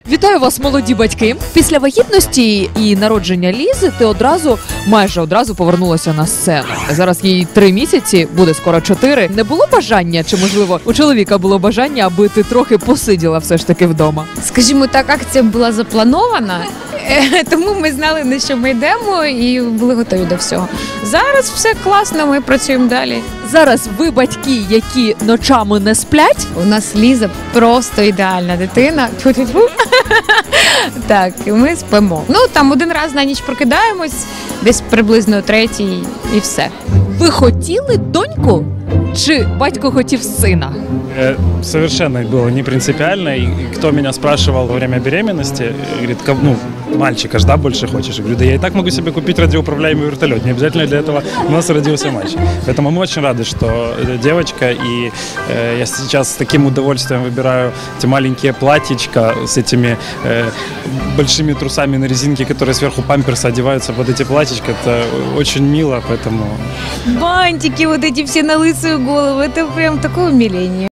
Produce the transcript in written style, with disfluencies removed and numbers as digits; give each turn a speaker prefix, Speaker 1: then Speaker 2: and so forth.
Speaker 1: Вітаю вас, молоді батьки. Після вагітності і народження Лізи ти майже одразу повернулася на сцену. Зараз їй 3 місяці, буде скоро 4. Не було бажання, чи можливо у чоловіка було бажання, аби ти трохи посиділа все ж таки вдома?
Speaker 2: Скажімо так, акція була запланована, тому ми знали, на що ми йдемо і були готові до всього. Зараз все класно, ми працюємо далі.
Speaker 1: Зараз ви батьки, які ночами не сплять?
Speaker 2: У нас Ліза просто ідеальна дитина. Тьфу-тьфу-тьфу. Так, і ми спимо. Ну, там один раз на ніч прокидаємось, десь приблизно 3-й і все.
Speaker 1: Ви хотіли доньку? Чи батько хотів сина?
Speaker 3: Совершенно было не принципиально. И кто меня спрашивал во время беременности, говорит, мальчика ж, да, больше хочешь? Я говорю, да я и так могу себе купить радиоуправляемый вертолет. Не обязательно для этого у нас родился мальчик. Поэтому мы очень рады, что девочка. И я сейчас с таким удовольствием выбираю эти маленькие платьичка с этими большими трусами на резинке, которые сверху памперса одеваются под эти платьичка. Это очень мило, поэтому...
Speaker 2: Бантики вот эти все на лысую голову, это прям такое умиление.